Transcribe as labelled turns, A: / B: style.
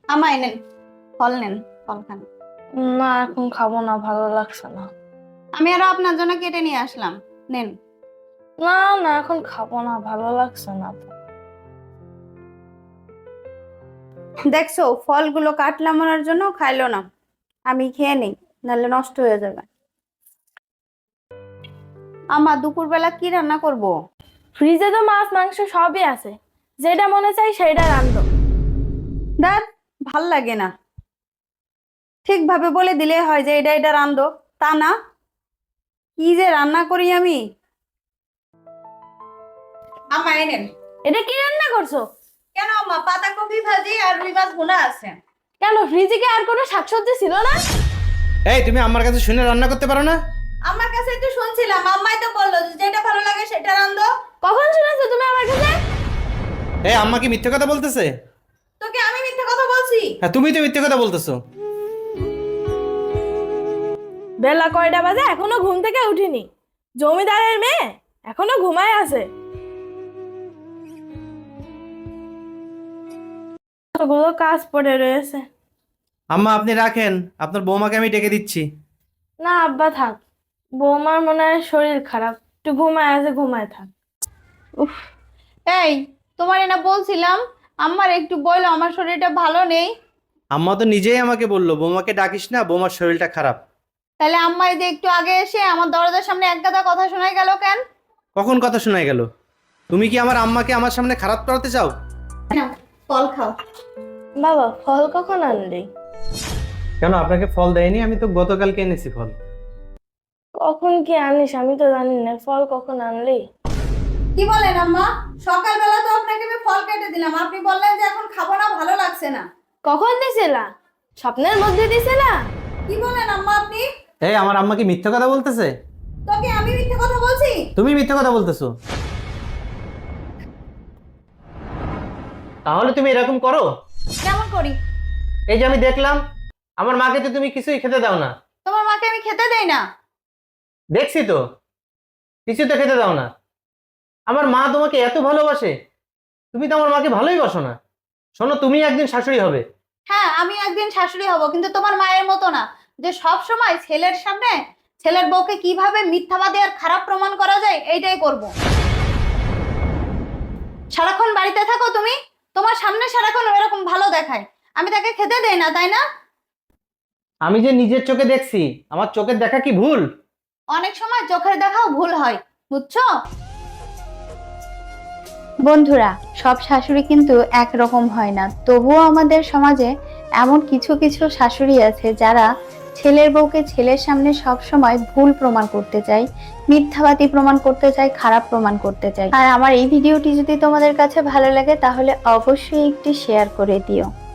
A: আমায় নেন, ফল নেন, ফল খান।
B: না এখন খাবো না, ভালো লাগছে না।
A: আমি আরো আপনার জন্য কেটে নিয়ে আসলাম, নেন।
B: না না এখন খাবো না, ভালো লাগছে না তো।
A: দেখছো ফলগুলো কাটলাম ওনার জন্য, খাইলো না। আমি খেয়ে নেই, নাহলে নষ্ট হয়ে যাবে। আমা দুপুরবেলা কি রান্না করব?
B: ফ্রিজে তো মাছ মাংস সবই আছে, যেটা মনে চাই সেটা রান্ধো।
A: দাদ, ভাল লাগে না। ঠিকভাবে বলে দিলে হয় যে এটা এটা রান্ধো, তা না। কি যে রান্না করি আমি। আমা এনেন।
B: এটা কি রান্না করছো?
A: কেন আম্মা, পাতাকপি ভাজি আর রুই মাছ ভুনা আছে।
B: কেন ফ্রিজে কি আর কোনো শাকসবজি ছিল না?
C: এই তুমি আমার কাছে শুনে রান্না করতে পারো না?
A: আমার কাছে একটু শুনছিলাম, আম্মাই তো বললো যে যেটা ভালো লাগে সেটা রান্ধো।
B: কখন শুনেছো তুমি আমার কাছে?
C: এই আম্মা কি মিথ্যে কথা বলতেছে?
A: তোকে আমি মিথ্যে কথা বলছি?
C: হ্যাঁ তুমি তো মিথ্যে কথা বলতেছো।
B: বেলা কয়টা বাজে, এখনো ঘুম থেকে উঠিনি। জমিদারের মেয়ে এখনো ঘুমায় আছে। ওগুলো কাজ পড়ে রয়েছে।
C: আম্মা আপনি রাখেন, আপনার বৌমাকে আমি ডেকে দিচ্ছি।
B: না আব্বা থাক, বৌমার মনে হয় শরীর খারাপ, একটু ঘুমায় আছে, ঘুমায় থাক।
A: উফ, এই তোমার না বলছিলাম, আম্মার একটু বললো আমার শরীরটা ভালো নেই।
C: আম্মা তো নিজেই আমাকে বললো বৌমাকে ডাকিস না, বৌমার শরীরটা খারাপ।
A: তাহলে আম্মা এই যে একটু আগে এসে আমার দরজার সামনে এক গাদা কথা শোনাই গেল কেন?
C: কখন কথা শোনায় গেল? তুমি কি আমার আম্মাকে আমার সামনে খারাপ করাতে চাও?
A: নাও, ফল খাও।
B: বাবা ফল কখন আনলি?
C: কেন আপনাকে ফল দেয়নি? আমি তো গতকালকে এনেছি ফল।
B: কখন কি আনিস আমি তো জানি না, ফল কখন আনলি?
A: কি বলেন আম্মা? সকালবেলা তো আপনাকে আমি ফল কেটে দিলাম, আপনি বললেন যে এখন খাবো না, ভালো লাগছে না।
B: কখন দিছিলা? স্বপ্নের মধ্যে দিছিলা?
A: কি বলেন আম্মা আপনি?
C: এই আমার আম্মা কি মিথ্যে কথা বলতেছে?
A: তোকে আমি মিথ্যে কথা বলছি?
C: তুমি মিথ্যে কথা বলতেছো। তাহলে তুমি এরকম করো?
A: কেমন করি?
C: এই যে আমি দেখলাম আমার মাকে তো তুমি কিছুই খেতে দাও না।
A: তোমার মাকে আমি খেতে দেই না?
C: দেখছি তো, কিছু তো খেতে দাও না। আমার মা তোমাকে এত ভালোবাসে, তুমি তো আমার মাকে ভালোই বাসো না। শোনো, তুমি একদিন শাশুড়ি হবে।
A: হ্যাঁ, আমি একদিন শাশুড়ি হব, কিন্তু তোমার মায়ের মতো না, যে সব সময় ছেলের সামনে ছেলের বউকে কিভাবে মিথ্যাবাদী আর খারাপ প্রমাণ করা যায় এইটাই করব। সারাক্ষণ বাড়িতে থাকো তুমি, তোমার সামনে সারাক্ষণ এরকম ভালো দেখায়, আমি তাকে খেতে দেই না, তাই না?
C: আমি যে নিজের চোখে দেখছি, আমার চোখের দেখা কি ভুল?
A: অনেক সময় চোখের দেখাও ভুল হয়, বুঝছো? বন্ধুরা, সব শাশুড়ি কিন্তু একরকম হয় না, তবুও আমাদের সমাজে এমন কিছু কিছু শাশুড়ি আছে যারা ছেলের বউকে ছেলের সামনে সব সময় ভুল প্রমাণ করতে চায়, মিথ্যাবাদী প্রমাণ করতে চায়, খারাপ প্রমাণ করতে চায়। আর আমার এই ভিডিওটি যদি তোমাদের কাছে ভালো লাগে তাহলে অবশ্যই একটি শেয়ার করে দিও।